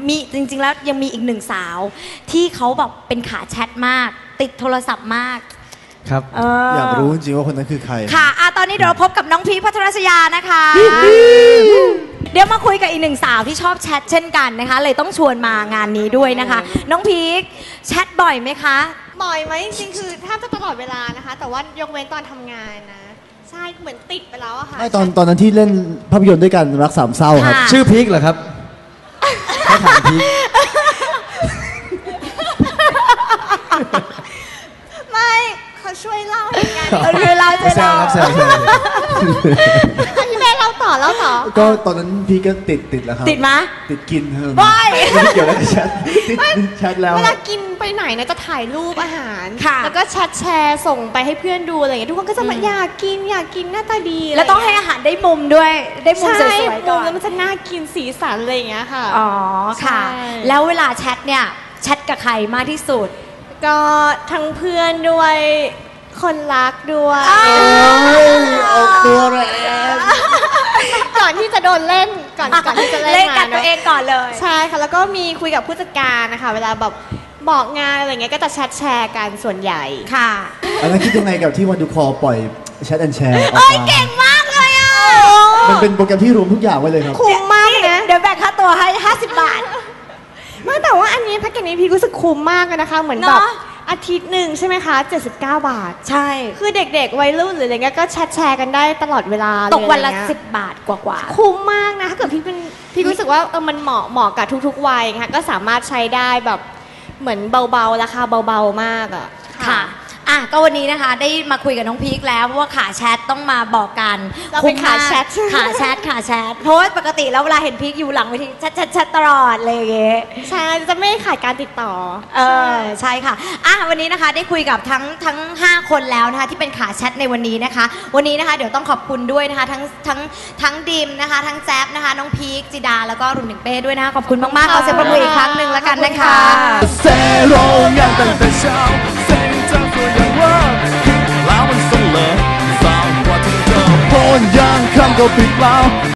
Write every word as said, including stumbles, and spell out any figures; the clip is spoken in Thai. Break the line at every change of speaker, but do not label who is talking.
มีจริงๆแล้วยังมีอีกหนึ่งสาวที่เขาแบบเป็นขาแชทมากติดโทรศัพท์มาก
ครับ
เออ
อยากรู้จริงๆว่าคนนั้นคือใคร
ค่ะอ่ะตอนนี้เดี๋ยวเราพบกับน้องพีคพัทรศยานะคะเดี๋ยวมาคุยกับอีกหนึ่งสาวที่ชอบแชทเช่นกันนะคะเลยต้องชวนมางานนี้ด้วยนะคะน้องพีคแชทบ่อยไหมคะ
บ่อยไหมจริงๆคือแทบจะตลอดเวลานะคะแต่ว่ายกเว้นตอนทำงานนะใช่เหมือนติดไปแล้วอะค่ะ
ไม่ตอนตอนนั้นที่เล่นภาพยนตร์ด้วยกันรักสามเศร้าครับ
ชื่อพีคเหรอครับเขาถามพีค
ไม่เขาช่วยเล่าเหมือนกัน
ช่วยเล่าช่วยเล่า
แซวครับแซว
พี่แม่เล่าต่อเล่าต่อ
ก็ตอนนั้นพี่ก็ติดติดแล้วครับ
ติดไหม
ติดกินครับ
ไม่
เกี่ยวกับแชทแชทแล้ว
เวลากินไปไหนนะจะถ่ายรูปอาหารแล้วก็แชทแชร์ส่งไปให้เพื่อนดูอะไรอย่างเงี้ยทุกคนก็จะมาอยากกินอยากกินหน้าตาดี
แล้วต้องให้อาหารได้มุมด้วยได้มุมสวยๆก่อน
แล้วมันจะน่ากินสีสันอะไรอย่างเงี้ยค่ะ
อ๋อค่ะแล้วเวลาแชทเนี่ยแชทกับใครมากที่สุด
ก็ทั้งเพื่อนด้วยคนรักด้วย
เอาตัวแรง
ก่อนที่จะโดนเล่นก่อนก่อนที่จะเล่น
งานตัวเองก่อนเลย
ใช่ค่ะแล้วก็มีคุยกับผู้จัดการนะคะเวลาแบบบอกงานอะไรเงี้ยก็จะแชทแชร์กันส่วนใหญ่
ค่ะ
อันนั้นคิดยังไงกับที่วันดูคอปล่อยแชทแอนแชร์ออก
มาเก่งมากเลยอ่ะ
มันเป็นโปรแกรมที่รวมทุกอย่างไว้เลยครับ
คุ้มมากนะ
เดี๋ยวแบ่งค่าตัวให้ห้าสิบบาท
ไม่แต่ว่าอันนี้แพ็กเกจนี้พี่รู้สึกคุ้มมากเลยนะคะเหมือนแบบอาทิตย์หนึ่งใช่ไหมคะเจ็ดสิบเก้าบาท
ใช่
คือเด็กๆวัยรุ่นหรืออะไรเงี้ยก็แชทแชร์กันได้ตลอดเวลา
ตกวันละสิบบาทกว่า
ๆคุ้มมากนะถ้าเกิดพี่เป็นพี่รู้สึกว่าเออมันเหมาะเหมาะกับทุกๆวัยค่ะก็สามารถใช้ได้แบบเหมือนเบาๆราคาเบาๆมากอ่ะ
ค่ะอ่ะก็วันนี้นะคะได้มาคุยกับน้องพีคแล้วเพราะว่าขาแชทต้องมาบอกกัน
เราเป็นขาแชท
ขาแชทขาแชทเพราะว่าปกติแล้วเวลาเห็นพีคอยู่หลังเวทีแชทแชทแชทตลอดเลยอย่างเงี้ย
ใช่จะไม่ขาดการติดต่อ
เออใช่ค่ะอ่ะวันนี้นะคะได้คุยกับทั้งทั้งห้าคนแล้วนะคะที่เป็นขาแชทในวันนี้นะคะวันนี้นะคะเดี๋ยวต้องขอบคุณด้วยนะคะทั้งทั้งทั้งดิมนะคะทั้งแจ๊บนะคะน้องพีคจิดาแล้วก็รุ่นหนึ่งเป้ด้วยนะคะขอบคุณมากๆขอเสียงปรบมืออีกครั้งหนึ่งแล้วกันนะคะ
เซโรงานตั้งแต่เช้าเซ็งจังตัวอย่างว่าแล้วมันส่งเลยสาวกว่าที่เธอพ้นยังคำก็ปิดเปล่า